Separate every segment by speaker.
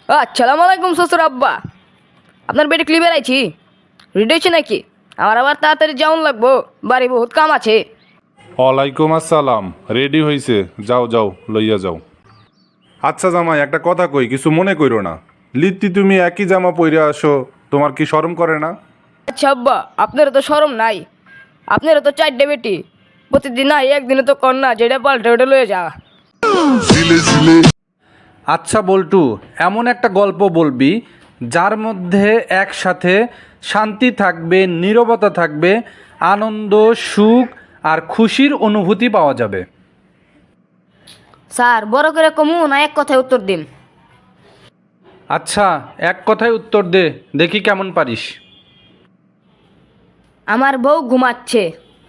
Speaker 1: আসসালামু আলাইকুম শ্বশুর আব্বা। আপনার বেটে ক্লিপে আইছি, রেডি হয়েছে নাকি? আমার আবার তাড়াতাড়ি যাওন লাগবো, বাড়ি বহুত কাম আছে।
Speaker 2: ওয়ালাইকুম আসসালাম। রেডি হইছে, যাও যাও লইয়া যাও। আচ্ছা জামাই, একটা কথা কই, কিছু মনে কইরো না। লিত্তি তুমি একই জামা পইরা আসো, তোমার কি শরম করে না?
Speaker 1: আচ্ছা আব্বা, আপনারও তো শরম নাই? আপনারও তো চারটে বেটি, প্রতিদিন না একদিনে তো কন্যা যেটা পাল্টে ওটা লয়ে যা।
Speaker 3: আচ্ছা বল্টু, এমন একটা গল্প বলবি যার মধ্যে একসাথে শান্তি থাকবে, নীরবতা থাকবে, আনন্দ, সুখ আর খুশির অনুভূতি পাওয়া যাবে।
Speaker 1: স্যার বড় করে কমু না এক কথায় উত্তর দিন?
Speaker 3: আচ্ছা, এক কথায় উত্তর দে, দেখি কেমন পারিস।
Speaker 1: আমার বউ ঘুমাচ্ছে।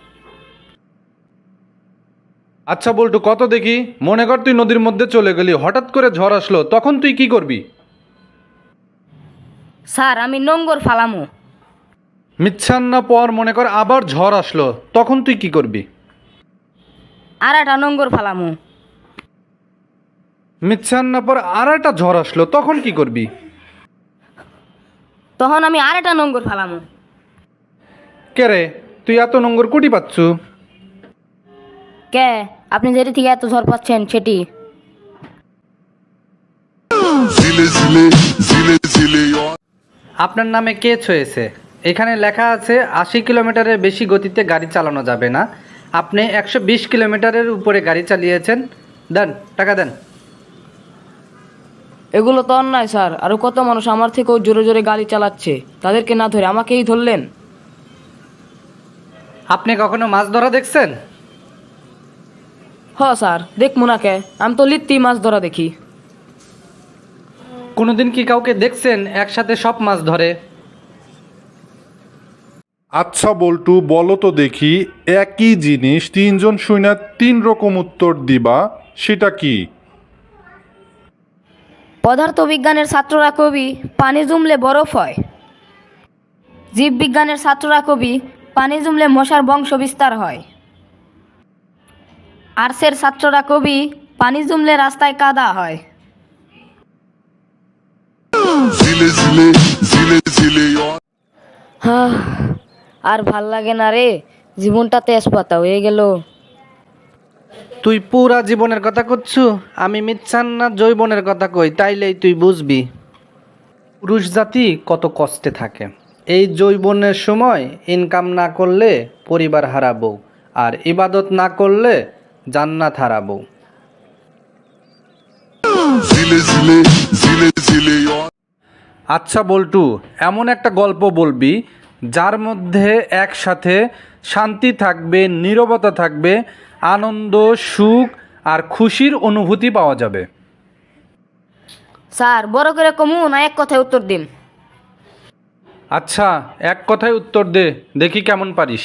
Speaker 3: আচ্ছা বল্টু, কত দেখি। মনে কর তুই নদীর মধ্যে চলে গেলি, হঠাৎ করে ঝড় আসলো, তখন তুই কি করবি?
Speaker 1: স্যার আমি নোংর ফালামু।
Speaker 3: মিচ্ছান্না পর মনে কর আবার ঝড় আসলো, তখন তুই কি করবি?
Speaker 1: আর একটা নোংর ফালামু।
Speaker 3: মিচ্ছান্না পর আর একটা ঝড় আসলো, তখন কি করবি?
Speaker 1: তখন আমি আর একটা নোংর ফালামু।
Speaker 3: কে রে, তুই এত নোংর কুটি পাচ্ছু?
Speaker 1: কে, আপনি যেটি থেকে এত ঝড় পাচ্ছেন সেটি?
Speaker 3: আপনার নামে কেস হয়েছে। এখানে লেখা আছে 80 কিলোমিটারের বেশি গতিতে গাড়ি চালানো যাবে না। আপনি 120 কিলোমিটারের উপরে গাড়ি চালিয়েছেন। দেন, টাকা দেন।
Speaker 1: এগুলো তো অন্যায় স্যার, আরো কত মানুষ আমার থেকেও জোরে জোরে গাড়ি চালাচ্ছে, তাদেরকে না ধরে আমাকেই ধরলেন।
Speaker 3: আপনি কখনো মাছ ধরা দেখছেন?
Speaker 1: হ স্যার, দেখবো না কে, আমি তো লিত্তি মাছ ধরা দেখি।
Speaker 3: কোনোদিন কি কাউকে দেখছেন একসাথে সব মাছ ধরে?
Speaker 2: আচ্ছা বল্টু, বলো তো দেখি, একই জিনিস তিনজন শুইনা তিন রকম উত্তর দিবা, সেটা কি?
Speaker 1: পদার্থবিজ্ঞানের ছাত্ররা কবি পানি জমলে বরফ হয়। জীববিজ্ঞানের ছাত্ররা কবি পানি জমলে মশার বংশ বিস্তার হয়। আর্টসের ছাত্ররা কবি পানি জমলে রাস্তায় কাদা হয়। হাহ, আর ভাল লাগে না রে, জীবনটা তেজপাতা হয়ে গেল।
Speaker 3: তুই পুরা জীবনের কথা করছু, আমি মিচ্ছান্না জৈবনের কথা কই, তাইলেই তুই বুঝবি পুরুষ জাতি কত কষ্টে থাকে। এই যৌবনের সময় ইনকাম না করলে পরিবার হারাবো, আর ইবাদত না করলে জান্নাত হারাবো। আচ্ছা বল্টু, এমন একটা গল্প বলবি যার মধ্যে একসাথে শান্তি থাকবে, নীরবতা থাকবে, আনন্দ, সুখ আর খুশির অনুভূতি পাওয়া যাবে।
Speaker 1: স্যার বড় করে কমু না এক কথায় উত্তর দিন?
Speaker 3: আচ্ছা, এক কথায় উত্তর দে, দেখি কেমন পারিস।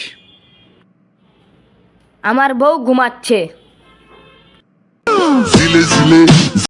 Speaker 1: আমার বউ ঘুমাচ্ছে।